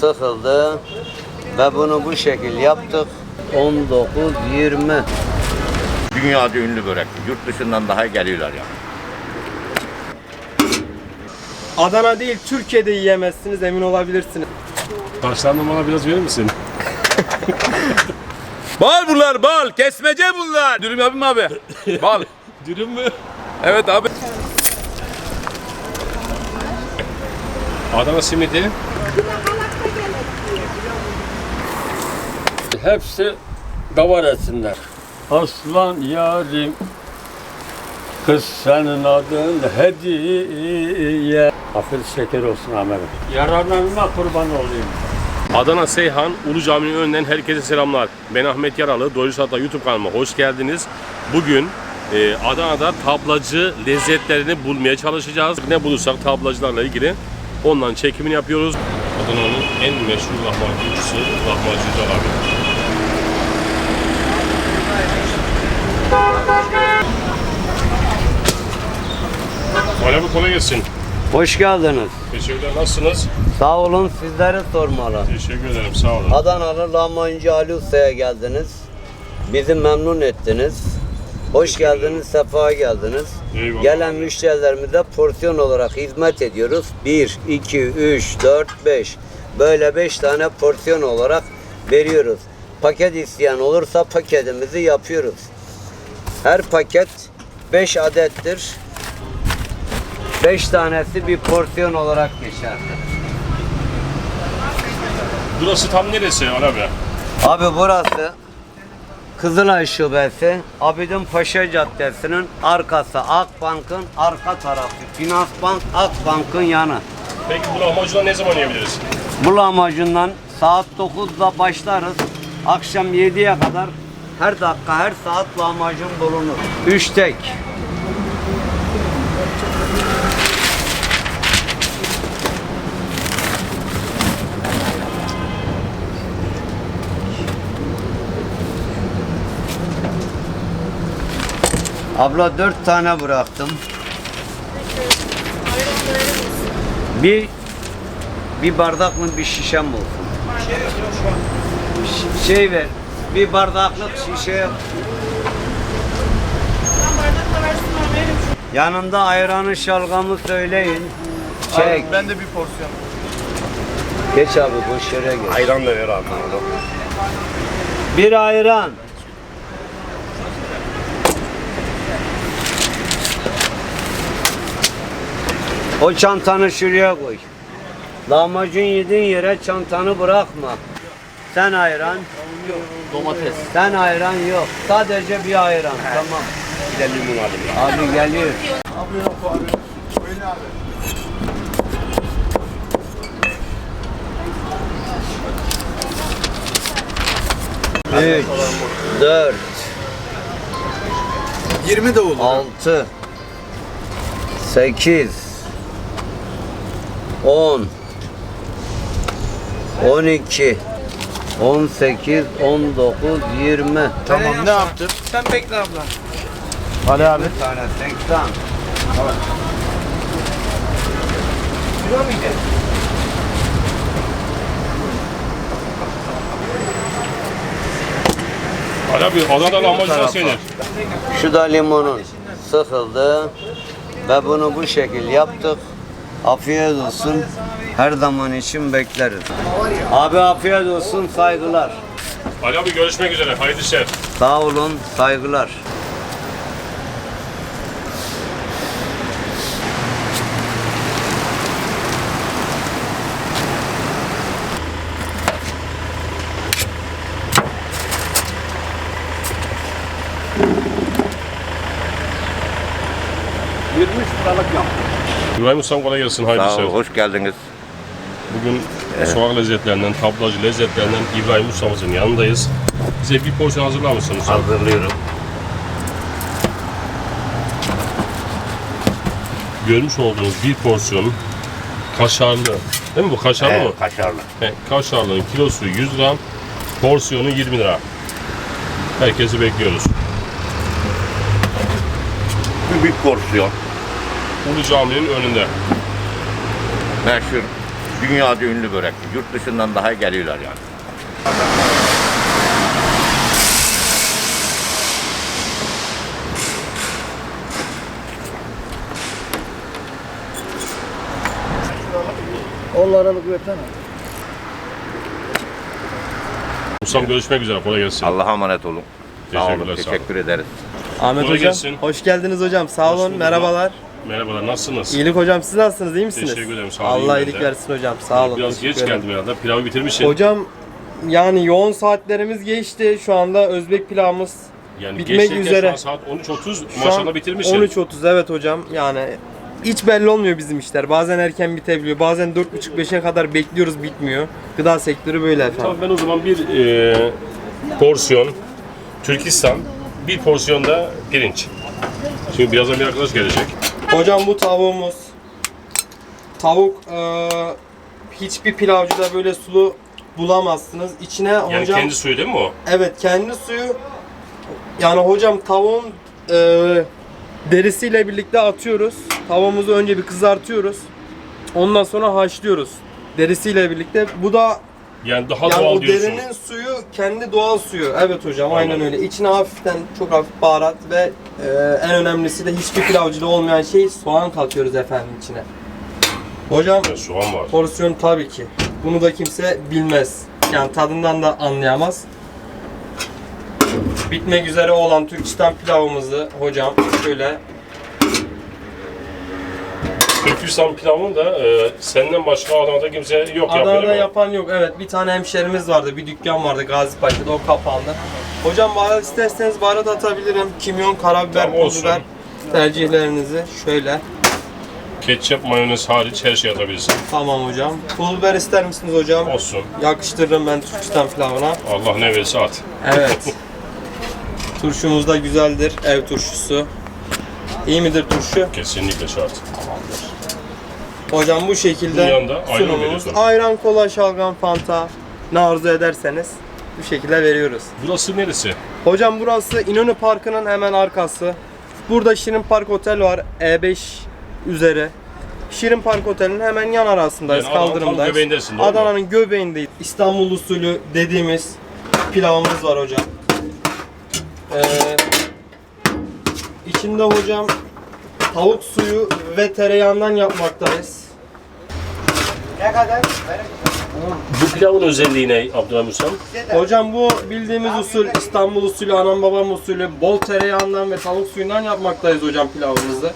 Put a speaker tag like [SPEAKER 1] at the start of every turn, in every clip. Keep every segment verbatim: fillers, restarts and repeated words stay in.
[SPEAKER 1] sıkıldı ve bunu bu şekil yaptık. on dokuz yirmi.
[SPEAKER 2] Dünyada ünlü börek. Yurt dışından daha geliyorlar ya.
[SPEAKER 3] Adana değil, Türkiye'de yiyemezsiniz, emin olabilirsiniz.
[SPEAKER 4] Başlarını bana biraz verir misin?
[SPEAKER 5] Bal bunlar bal. Kesmece bunlar. Dürüm yapayım mı abi? Bal.
[SPEAKER 4] Dürüm mü?
[SPEAKER 5] Evet abi.
[SPEAKER 4] Adana simidi.
[SPEAKER 6] Hepsi davar etsinler. Aslan yarim, kız senin adın hediye. Afiyet şeker olsun Ahmet'im. Yararlarına kurban olayım.
[SPEAKER 4] Adana Seyhan Ulu Cami'nin önünden herkese selamlar. Ben Ahmet Yaralı. Doyurucu Hatta YouTube kanalıma hoş geldiniz. Bugün e, Adana'da tablacı lezzetlerini bulmaya çalışacağız. Ne bulursak tablacılarla ilgili ondan çekimini yapıyoruz. Adana'nın en meşhur lahmacuncusu Lahmacuncu abi. Ali abi kolay gelsin.
[SPEAKER 1] Hoş geldiniz.
[SPEAKER 4] Teşekkürler. Nasılsınız?
[SPEAKER 1] Sağ olun, sizleri sormalı.
[SPEAKER 4] Teşekkür ederim. Sağ olun.
[SPEAKER 1] Adanalı lahmacuncu Ali Usta'ya geldiniz. Bizi memnun ettiniz. Hoş geldiniz, sefa geldiniz.
[SPEAKER 4] Eyvallah.
[SPEAKER 1] Gelen müşterilerimize porsiyon olarak hizmet ediyoruz. bir, iki, üç, dört, beş. Böyle beş tane porsiyon olarak veriyoruz. Paket isteyen olursa paketimizi yapıyoruz. Her paket beş adettir. beş tanesi bir porsiyon olarak geçerli.
[SPEAKER 4] Burası tam neresi Ali abi?
[SPEAKER 1] Abi burası Kızılay Şubesi, Abidin Paşa Caddesi'nin arkası, Akbank'ın arka tarafı. Finansbank Akbank'ın yanı.
[SPEAKER 4] Peki bu lahmacunları ne zaman yiyebiliriz?
[SPEAKER 1] Bu lahmacundan saat dokuzda başlarız. Akşam yediye kadar her dakika, her saat lahmacun bulunur. Üç tek. Abla dört tane bıraktım. Bir bir bardak mı bir şişem olsun. Ş- Şey ver. Bir bardaklık şişe. Yanında ayranı şalgamı söyleyin. Çek.
[SPEAKER 3] Ben de bir porsiyon.
[SPEAKER 1] Geç abi boş yere geç.
[SPEAKER 2] Ayran da ver abi.
[SPEAKER 1] Bir ayran. O çantanı şuraya koy. Lahmacun yediğin yere çantanı bırakma. Sen ayran.
[SPEAKER 3] Domates.
[SPEAKER 1] Sen ayran yok. Sadece bir ayran. Tamam.
[SPEAKER 2] Bir de limon alayım.
[SPEAKER 1] Abi geliyor. Üç, dört,
[SPEAKER 3] yirmi de olur.
[SPEAKER 1] altı, sekiz, on, on iki, on sekiz, on dokuz, yirmi.
[SPEAKER 3] Tamam, ne yaptın? Sen bekle abla. Ali abi.
[SPEAKER 1] Bir tane seksen.
[SPEAKER 4] Ali abi Adana lahmacun nasıl yenir?
[SPEAKER 1] Şu da limonun sıkıldı ve bunu bu şekil yaptık. Afiyet olsun. Her zaman için bekleriz. Abi afiyet olsun, saygılar.
[SPEAKER 4] Ali abi görüşmek üzere. Hayırlı işler.
[SPEAKER 1] Sağ olun, saygılar.
[SPEAKER 2] yirmi liralık yok.
[SPEAKER 4] İbrahim Ustam kolay gelsin. Hayırlı
[SPEAKER 2] Sağ
[SPEAKER 4] işler.
[SPEAKER 2] ol, hoş geldiniz.
[SPEAKER 4] Bugün sokak lezzetlerinden, tablacı lezzetlerinden İbrahim Ustam'ızın yanındayız. Bize bir porsiyon hazırlar mısın Usta?
[SPEAKER 2] Hazırlıyorum.
[SPEAKER 4] Görmüş olduğunuz bir porsiyon kaşarlı. Değil mi bu kaşarlı mı?
[SPEAKER 2] Evet, kaşarlı.
[SPEAKER 4] He, kaşarlının kilosu yüz gram, porsiyonu yirmi lira. Herkesi bekliyoruz.
[SPEAKER 2] Bir porsiyon.
[SPEAKER 4] Ulu Cami'nin önünde.
[SPEAKER 2] Meşhur Dünyada ünlü börek. Yurt dışından daha geliyorlar yani.
[SPEAKER 7] Onlara bir versene.
[SPEAKER 4] Ustam görüşmek üzere. Kolay gelsin.
[SPEAKER 2] Allah'a emanet olun. Sağ olun.
[SPEAKER 4] Teşekkürler, sağ olun.
[SPEAKER 2] Teşekkür ederiz.
[SPEAKER 3] Ahmet
[SPEAKER 4] Kolay
[SPEAKER 3] hocam,
[SPEAKER 4] gelsin.
[SPEAKER 3] hoş geldiniz hocam. Sağ
[SPEAKER 4] Hoş
[SPEAKER 3] olun,
[SPEAKER 4] bulduk.
[SPEAKER 3] merhabalar.
[SPEAKER 4] Merhabalar, nasılsınız?
[SPEAKER 3] İyilik hocam, siz nasılsınız, iyi misiniz?
[SPEAKER 4] Teşekkür ederim, sağ olun,
[SPEAKER 3] Allah
[SPEAKER 4] iyiyim
[SPEAKER 3] iyilik
[SPEAKER 4] ben de.
[SPEAKER 3] versin hocam, sağ olun.
[SPEAKER 4] Biraz geç
[SPEAKER 3] teşekkür ederim.
[SPEAKER 4] geldim herhalde. Pilavı bitirmişsin.
[SPEAKER 3] Hocam, yani yoğun saatlerimiz geçti. Şu anda Özbek pilavımız
[SPEAKER 4] yani
[SPEAKER 3] bitmek
[SPEAKER 4] geçerken
[SPEAKER 3] üzere.
[SPEAKER 4] Şu an saat on üç otuz.
[SPEAKER 3] Şu an
[SPEAKER 4] Maşallah bitirmişsin.
[SPEAKER 3] on üç otuz evet hocam. Yani hiç belli olmuyor bizim işler. Bazen erken bitebiliyor. Bazen dört buçuk beşe kadar bekliyoruz, bitmiyor. Gıda sektörü böyle efendim.
[SPEAKER 4] Tamam, ben o zaman bir e, porsiyon Türkistan, bir porsiyon da pirinç. Şimdi birazdan bir arkadaş gelecek.
[SPEAKER 3] Hocam bu tavuğumuz. Tavuk eee, hiçbir pilavcıda böyle sulu bulamazsınız. İçine
[SPEAKER 4] Yani
[SPEAKER 3] hocam
[SPEAKER 4] kendi suyu değil mi o?
[SPEAKER 3] evet kendi suyu. Yani hocam tavuğun eee derisiyle birlikte atıyoruz. Tavuğumuzu önce bir kızartıyoruz. Ondan sonra haşlıyoruz. Derisiyle birlikte. Bu da
[SPEAKER 4] Yani daha
[SPEAKER 3] yani
[SPEAKER 4] doğal
[SPEAKER 3] o
[SPEAKER 4] diyorsun.
[SPEAKER 3] derinin suyu kendi doğal suyu. Evet hocam aynen öyle. İçine hafiften çok hafif baharat ve e, en önemlisi de hiçbir pilavcıda olmayan şey soğan katıyoruz efendim içine. Hocam
[SPEAKER 4] Yani soğan var.
[SPEAKER 3] porsiyon tabii ki. Bunu da kimse bilmez. Yani tadından da anlayamaz. Bitmek üzere olan Türkistan pilavımızı hocam şöyle
[SPEAKER 4] Türkistan pilavını da e, senden başka Adana'da kimse yok yapıyor.
[SPEAKER 3] Adana'da
[SPEAKER 4] ama.
[SPEAKER 3] yapan yok. Evet bir tane hemşerimiz vardı. Bir dükkan vardı Gazipaşa'da. O kapandı. Hocam baharat isterseniz baharat atabilirim. Kimyon, karabiber,
[SPEAKER 4] Tamam,
[SPEAKER 3] pul
[SPEAKER 4] olsun.
[SPEAKER 3] biber tercihlerinizi şöyle.
[SPEAKER 4] Ketçap, mayonez hariç her şey atabilirsin.
[SPEAKER 3] Tamam hocam. Pul biber ister misiniz hocam?
[SPEAKER 4] Olsun.
[SPEAKER 3] Yakıştırırım ben Türkistan pilavına.
[SPEAKER 4] Allah ne verirse at.
[SPEAKER 3] Evet. Turşumuz da güzeldir. Ev turşusu. İyi midir turşu?
[SPEAKER 4] Kesinlikle şart.
[SPEAKER 3] Hocam bu şekilde
[SPEAKER 4] Bunun yanında ayran
[SPEAKER 3] sunumumuz.
[SPEAKER 4] veriyorsun.
[SPEAKER 3] Ayran, kola, şalgam, fanta ne arzu ederseniz bu şekilde veriyoruz.
[SPEAKER 4] Burası neresi?
[SPEAKER 3] Hocam burası İnönü Parkı'nın hemen arkası. Burada Şirin Park Otel var. E beş üzeri. Şirin Park Otel'in hemen yan arasındayız.
[SPEAKER 4] Yani Adana'nın tam
[SPEAKER 3] kaldırımdayız.
[SPEAKER 4] göbeğindesin, doğru mu?
[SPEAKER 3] Adana'nın göbeğindeyiz. İstanbul usulü dediğimiz pilavımız var hocam. Ee, içinde hocam tavuk suyu ve tereyağından yapmaktayız.
[SPEAKER 4] Bu pilavın özelliği ne Abdülhamid Ustam?
[SPEAKER 3] Hocam bu bildiğimiz usul İstanbul usulü, anam babam usulü bol tereyağından ve tavuk suyundan yapmaktayız hocam pilavımızı.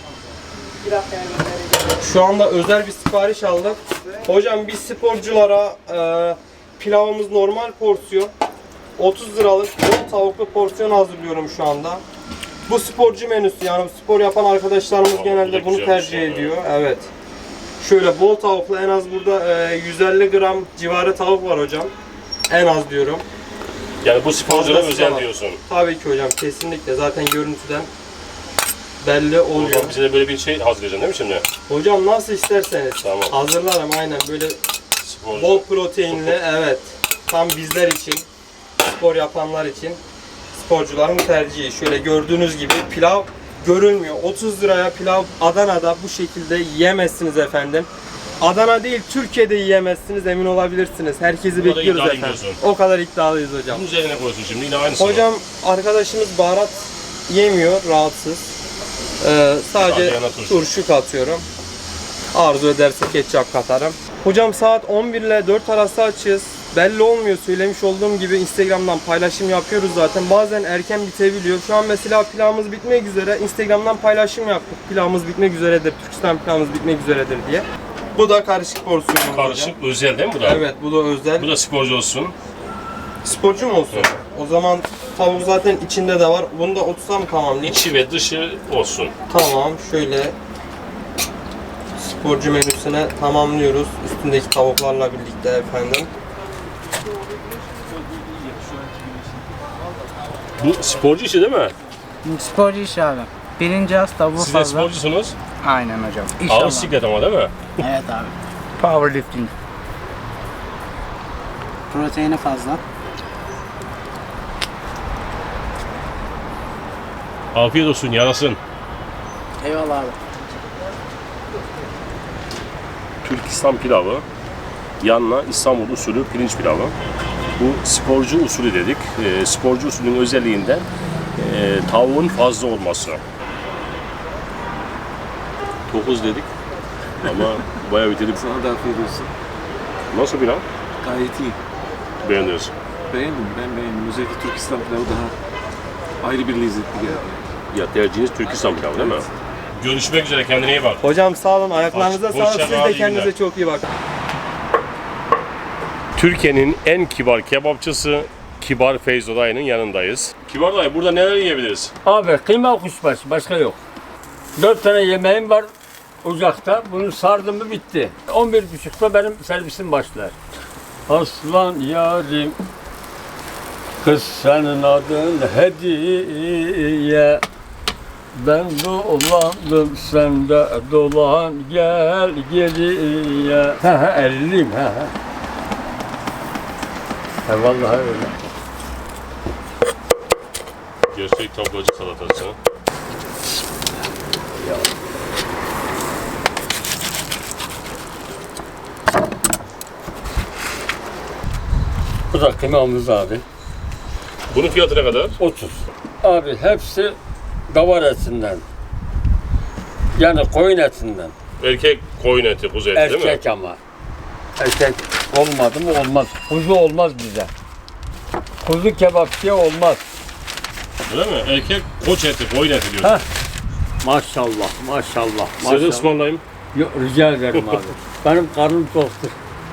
[SPEAKER 3] Şu anda özel bir sipariş aldık. Hocam biz sporculara e, pilavımız normal porsiyon otuz liralık bol tavuklu porsiyon hazırlıyorum şu anda. Bu sporcu menüsü, yani spor yapan arkadaşlarımız
[SPEAKER 4] Aa, bu da
[SPEAKER 3] genelde bunu
[SPEAKER 4] güzelmiş
[SPEAKER 3] tercih
[SPEAKER 4] ya.
[SPEAKER 3] ediyor. Evet. Şöyle bol tavuklu en az burada e, yüz elli gram civarı tavuk var hocam. En az diyorum.
[SPEAKER 4] Yani bu sporculara
[SPEAKER 3] Fazlası
[SPEAKER 4] özel
[SPEAKER 3] var.
[SPEAKER 4] diyorsun.
[SPEAKER 3] Tabii ki hocam kesinlikle zaten görüntüden belli
[SPEAKER 4] O
[SPEAKER 3] oluyor.
[SPEAKER 4] zaman bize de böyle bir şey hazırlayacaksın değil mi şimdi?
[SPEAKER 3] Hocam nasıl isterseniz
[SPEAKER 4] Tamam.
[SPEAKER 3] hazırlarım aynen böyle
[SPEAKER 4] Sporcu.
[SPEAKER 3] bol proteinli evet. Tam bizler için, spor yapanlar için sporcuların tercihi. Şöyle gördüğünüz gibi pilav görülmüyor. otuz liraya pilav Adana'da bu şekilde yiyemezsiniz efendim. Adana değil Türkiye'de yiyemezsiniz, emin olabilirsiniz. Herkesi
[SPEAKER 4] Bu kadar
[SPEAKER 3] bekliyoruz
[SPEAKER 4] iddialıyım
[SPEAKER 3] efendim.
[SPEAKER 4] diyorsun.
[SPEAKER 3] O kadar iddialıyız hocam.
[SPEAKER 4] Bunun üzerine koyuyorsun şimdi yine aynısı mı?
[SPEAKER 3] Hocam arkadaşımız baharat yemiyor, rahatsız. Ee, sadece
[SPEAKER 4] Sadece yana turşu.
[SPEAKER 3] turşu katıyorum. Arzu ederse ketçap katarım. Hocam saat on bir ile dört arası açığız. Belli olmuyor, söylemiş olduğum gibi Instagram'dan paylaşım yapıyoruz zaten. Bazen erken bitebiliyor. Şu an mesela pilavımız bitmek üzere. Instagram'dan paylaşım yaptık. Pilavımız bitmek üzeredir, Türkistan pilavımız bitmek üzeredir diye. Bu da karışık porsiyonumuz
[SPEAKER 4] Karışık
[SPEAKER 3] hocam.
[SPEAKER 4] özel değil mi bu da?
[SPEAKER 3] Evet, bu da özel.
[SPEAKER 4] Bu da sporcu olsun.
[SPEAKER 3] Sporcu mu olsun? O zaman tavuk zaten içinde de var. Bunu da otuza mı tamamlayayım?
[SPEAKER 4] İçi ve dışı olsun.
[SPEAKER 3] Tamam, şöyle sporcu menüsüne tamamlıyoruz. Üstündeki tavuklarla birlikte efendim.
[SPEAKER 4] Bu sporcu işi değil mi?
[SPEAKER 7] Sporcu iş abi. Birinci az tavuğu
[SPEAKER 4] Siz de
[SPEAKER 7] fazla.
[SPEAKER 4] sporcusunuz.
[SPEAKER 7] Aynen hocam.
[SPEAKER 4] Ağır
[SPEAKER 7] İnşallah.
[SPEAKER 4] siklet ama değil mi?
[SPEAKER 7] Evet abi. Powerlifting. Proteini fazla.
[SPEAKER 4] Afiyet olsun, yarasın.
[SPEAKER 7] Eyvallah abi.
[SPEAKER 4] Türkistan pilavı. Yanına İstanbul usulü pirinç pilavı. Bu sporcu usulü dedik. E, sporcu usulünün özelliğinden e, tavuğun fazla olması. dokuz dedik ama bayağı bitirdik.
[SPEAKER 5] Sana da afiyet olsun.
[SPEAKER 4] Nasıl pilav?
[SPEAKER 5] Gayet iyi.
[SPEAKER 4] Beğeniyorsun.
[SPEAKER 5] Beğendim, ben beğendim. Özellikle Türkistan pilavı daha ayrı bir lezzetli geldi.
[SPEAKER 4] Ya tercihiniz Türkistan pilavı değil mi? Görüşmek üzere, kendine iyi bak.
[SPEAKER 3] Hocam sağ olun, ayaklarınıza
[SPEAKER 4] Hoş-
[SPEAKER 3] sağlık.
[SPEAKER 4] hoşça
[SPEAKER 3] Siz
[SPEAKER 4] kal,
[SPEAKER 3] de
[SPEAKER 4] iyi
[SPEAKER 3] kendinize
[SPEAKER 4] günler.
[SPEAKER 3] çok iyi bakın.
[SPEAKER 4] Türkiye'nin en kibar kebapçısı Kibar Feyzo dayının yanındayız. Kibar dayı, burada neler yiyebiliriz?
[SPEAKER 6] Abi kıyma kuşbaşı başka yok. Dört tane yemeğim var ocakta. Bunu sardım mı bitti. on bir buçukta benim servisim başlar. Aslan yarim, kız senin adın hediye. Ben dolandım sen de dolan gel geriye. He he elliyim he he. He vallahi öyle.
[SPEAKER 4] Gerçek tablacı salatası.
[SPEAKER 6] Bu da kıymamız abi.
[SPEAKER 4] Bunun fiyatı ne kadar?
[SPEAKER 6] otuz. Abi hepsi davar etinden. Yani koyun etinden.
[SPEAKER 4] Erkek koyun eti, kuzu eti değil mi?
[SPEAKER 6] Erkek ama. Erkek olmadı mı olmaz. Kuzu olmaz bize. Kuzu kebapçıya olmaz.
[SPEAKER 4] Öyle mi? Erkek koç eti, koyun eti diyorsun.
[SPEAKER 6] Heh. Maşallah, maşallah,
[SPEAKER 4] Size de
[SPEAKER 6] maşallah.
[SPEAKER 4] ısmarlayayım.
[SPEAKER 6] Yok, rica ederim abi. Benim karnım toktur.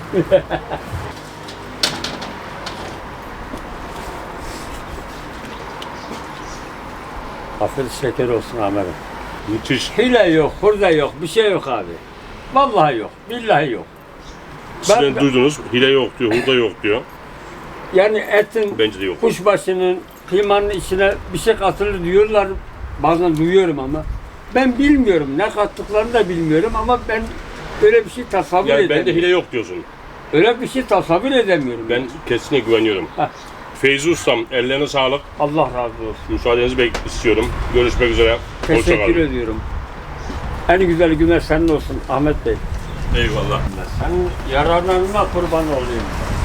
[SPEAKER 6] Afiyet şeker olsun Ahmet'im.
[SPEAKER 4] Müthiş.
[SPEAKER 6] Hile yok, hurda yok, bir şey yok abi. Vallahi yok, billahi yok.
[SPEAKER 4] Sizden
[SPEAKER 6] Ben-
[SPEAKER 4] duydunuz, hile yok diyor, hurda yok diyor.
[SPEAKER 6] Yani etin,
[SPEAKER 4] Bence de yok.
[SPEAKER 6] kuşbaşının, kıymanın içine bir şey katılır diyorlar. Bazen duyuyorum ama. Ben bilmiyorum, ne kattıklarını da bilmiyorum ama ben öyle bir şey tasavvur
[SPEAKER 4] Yani
[SPEAKER 6] edemiyorum.
[SPEAKER 4] bende hile yok diyorsun.
[SPEAKER 6] Öyle bir şey tasavvur edemiyorum.
[SPEAKER 4] Ben kesinlikle güveniyorum.
[SPEAKER 6] Heh.
[SPEAKER 4] Feyzi Ustam, ellerine sağlık.
[SPEAKER 6] Allah razı olsun.
[SPEAKER 4] Müsaadenizi bek istiyorum. Görüşmek üzere. Hoşça
[SPEAKER 6] Teşekkür
[SPEAKER 4] kalın.
[SPEAKER 6] ediyorum. En güzel günler senin olsun Ahmet Bey.
[SPEAKER 4] Eyvallah.
[SPEAKER 6] Senin yararlarına kurban olayım.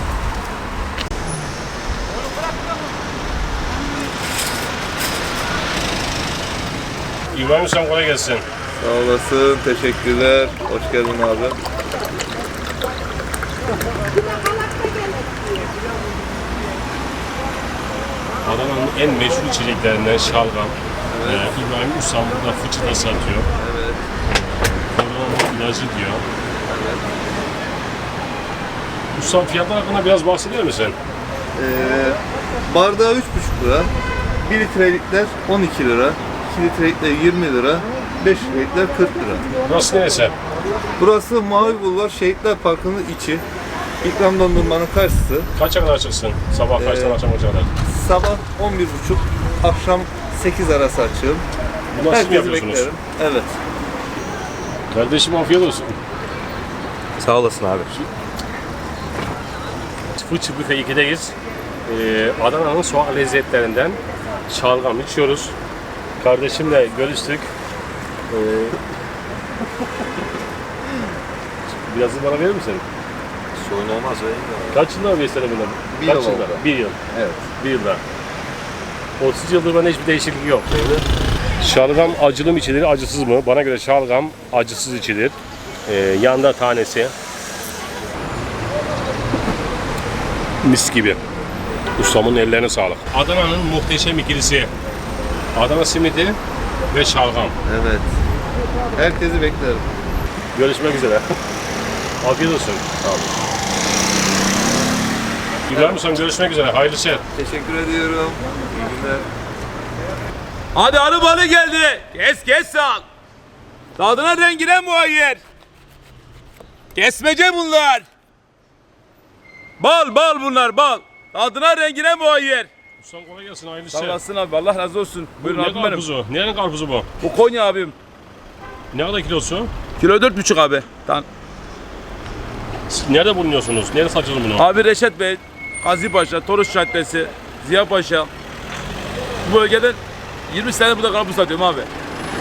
[SPEAKER 4] İbrahim Ustam kolay gelsin.
[SPEAKER 8] Sağ olasın, teşekkürler. Hoş geldin abi.
[SPEAKER 4] Adana'nın en meşhur içeceklerinden şalgam. Ee, İbrahim Ustam burada fıçıda satıyor.
[SPEAKER 8] Evet.
[SPEAKER 4] Korona ilacı diyor. Ustam fiyatlar hakkında biraz bahsediyor musun?
[SPEAKER 8] Ee, bardağı üç buçuk lira. bir litrelikler on iki lira. iki litrelikler yirmi lira. beş litrelikler kırk lira.
[SPEAKER 4] Burası neresi?
[SPEAKER 8] Burası Mavi Bulvar Şehitler Parkı'nın içi. İkram dondurmanın karşısı.
[SPEAKER 4] Kaça kadar açıksın? Sabah kaçtan
[SPEAKER 8] Ee,
[SPEAKER 4] akşam kaça kadar?
[SPEAKER 8] Sabah on bir buçuk, akşam sekiz arası açığım.
[SPEAKER 4] Bunlar siz mi
[SPEAKER 8] Herkesi
[SPEAKER 4] yapıyorsunuz?
[SPEAKER 8] beklerim. Evet.
[SPEAKER 4] Kardeşim afiyet olsun.
[SPEAKER 8] Sağ olasın abi.
[SPEAKER 4] Fıçı Büfe ikideyiz. Ee, Adana'nın sokak lezzetlerinden şalgam içiyoruz. Kardeşimle görüştük. Ee, biraz da bana verir misin?
[SPEAKER 8] Sorun olmaz öyle.
[SPEAKER 4] Kaç yıldır besledin bunu?
[SPEAKER 8] Bir
[SPEAKER 4] Kaç
[SPEAKER 8] yıl
[SPEAKER 4] yıldır?
[SPEAKER 8] oldu.
[SPEAKER 4] Bir yıl.
[SPEAKER 8] Evet.
[SPEAKER 4] Bir yılda. otuz yıldır bana hiçbir değişiklik yok. Şalgam acılı mı içilir, acısız mı? Bana göre şalgam acısız içilir. Ee, yanda tanesi. Mis gibi. Ustamın ellerine sağlık. Adana'nın muhteşem ikilisi. Adana simidi ve şalgam.
[SPEAKER 8] Evet. Herkesi beklerim.
[SPEAKER 4] Görüşmek üzere. Afiyet olsun. Sağ olun. İbrahim Ustam görüşmek üzere. Hayırlı işler.
[SPEAKER 8] Teşekkür ediyorum. İyi günler.
[SPEAKER 5] Hadi arı balı geldi. Kes kes sal. Tadına rengine muayyer. Kesmece bunlar. Bal bal bunlar bal. Tadına rengine muayyer.
[SPEAKER 4] Ustam kolay gelsin. Hayırlı
[SPEAKER 5] Sağ
[SPEAKER 4] işler.
[SPEAKER 5] olasın abi, Allah razı olsun.
[SPEAKER 4] Bu
[SPEAKER 5] Buyurun
[SPEAKER 4] ne
[SPEAKER 5] abim benim.
[SPEAKER 4] karpuzu? Nerenin karpuzu bu?
[SPEAKER 5] Bu Konya abim.
[SPEAKER 4] Ne kadar kilosu?
[SPEAKER 5] Kilo dört buçuk abi. Tamam.
[SPEAKER 4] Siz nerede bulunuyorsunuz? Nerede satıyorsunuz bunu?
[SPEAKER 5] Abi Reşat Bey, Gazi Paşa, Toruç Caddesi, Ziya Paşa. Bu bölgeden yirmi sene burada karpuz satıyorum abi.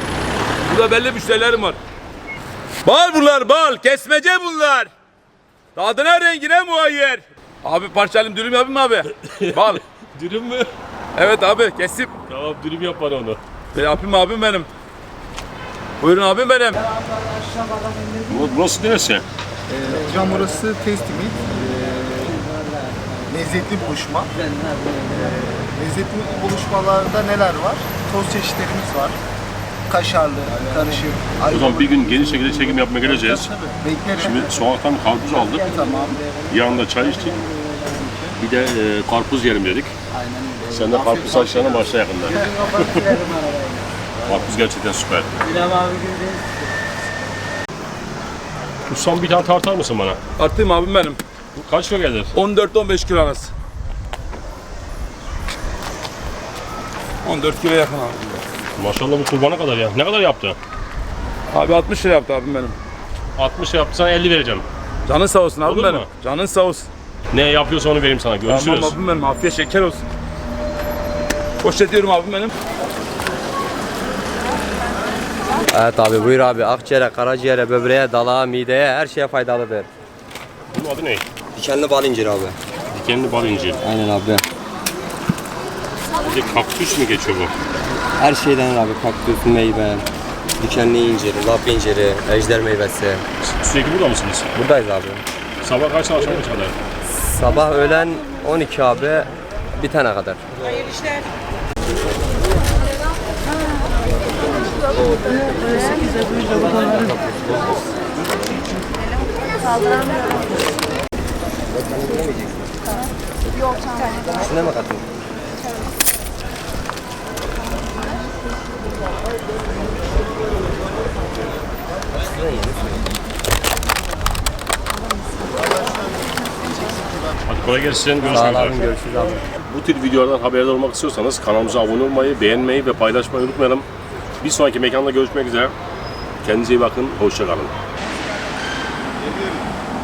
[SPEAKER 5] Burada belli müşterilerim var. Bal bunlar bal, kesmece bunlar. Tadına rengine muayyer. Abi parçalayayım dürüm yapayım mı abi? Bal.
[SPEAKER 4] Dürüm mü?
[SPEAKER 5] Evet abi kesip.
[SPEAKER 4] Tamam dürüm yap bana onu.
[SPEAKER 5] E, yapayım abim benim. Buyurun abim benim.
[SPEAKER 4] Bu- Burası neresi?
[SPEAKER 9] Hocam burası Tasty Meat. Ee, lezzetli buluşma. Ee, lezzetli buluşmalarda neler var? Toz çeşitlerimiz var. Kaşarlı, karışık,
[SPEAKER 4] O zaman bir gün geniş şekilde çekim yapmaya geleceğiz.
[SPEAKER 9] Beklerim.
[SPEAKER 4] Şimdi sokaktan karpuz aldık.
[SPEAKER 9] Tamam.
[SPEAKER 4] Yanında çay içtik. Bir de e, karpuz yiyelim dedik.
[SPEAKER 9] Aynen öyle.
[SPEAKER 4] Sen de karpuz saçlarına başla yakında. Karpuz gerçekten süper. Ustam bir tane tartar mısın bana?
[SPEAKER 5] Artıyım abim benim.
[SPEAKER 4] Bu kaç kilo gelir?
[SPEAKER 5] on dört on beş kilo arası. on dört kilo yakın abi.
[SPEAKER 4] Maşallah bu kurbana kadar ya. Ne kadar yaptı?
[SPEAKER 5] Abi altmış lira yaptı abim benim.
[SPEAKER 4] altmış yaptı sana elli vereceğim.
[SPEAKER 5] Canın sağ olsun abim
[SPEAKER 4] Olur
[SPEAKER 5] benim.
[SPEAKER 4] mu?
[SPEAKER 5] Canın sağ olsun.
[SPEAKER 4] Ne yapıyorsa onu vereyim sana. Görüşürüz.
[SPEAKER 5] Tamam abim benim. Afiyet şeker olsun. Poşetiyorum abim benim.
[SPEAKER 10] Evet abi buyur abi. Akciğere, karaciğere, böbreğe, dalağa, mideye her şeye faydalıdır.
[SPEAKER 4] Bunun adı ne?
[SPEAKER 10] Dikenli bal inciri abi.
[SPEAKER 4] Dikenli bal incir.
[SPEAKER 10] Aynen abi.
[SPEAKER 4] Bir de kaktüs mü geçiyor bu?
[SPEAKER 10] Her şeyden abi. Kaktüs, meyve, dikenli incir, lap inciri, ejder meyvesi.
[SPEAKER 4] Sürekli burada mısınız?
[SPEAKER 10] Buradayız abi.
[SPEAKER 4] Sabah kaçtan akşam kaç kadar?
[SPEAKER 10] Sabah öğlen on iki abi. Bitene kadar. İçine mi katın?
[SPEAKER 4] Hadi kolay gelsin. Görüşmek
[SPEAKER 10] Sağ ol
[SPEAKER 4] üzere.
[SPEAKER 10] abi, görüşürüz abi.
[SPEAKER 4] Bu tür videolardan haberdar olmak istiyorsanız kanalımıza abone olmayı, beğenmeyi ve paylaşmayı unutmayalım. Bir sonraki mekanda görüşmek üzere. Kendinize iyi bakın. Hoşça kalın.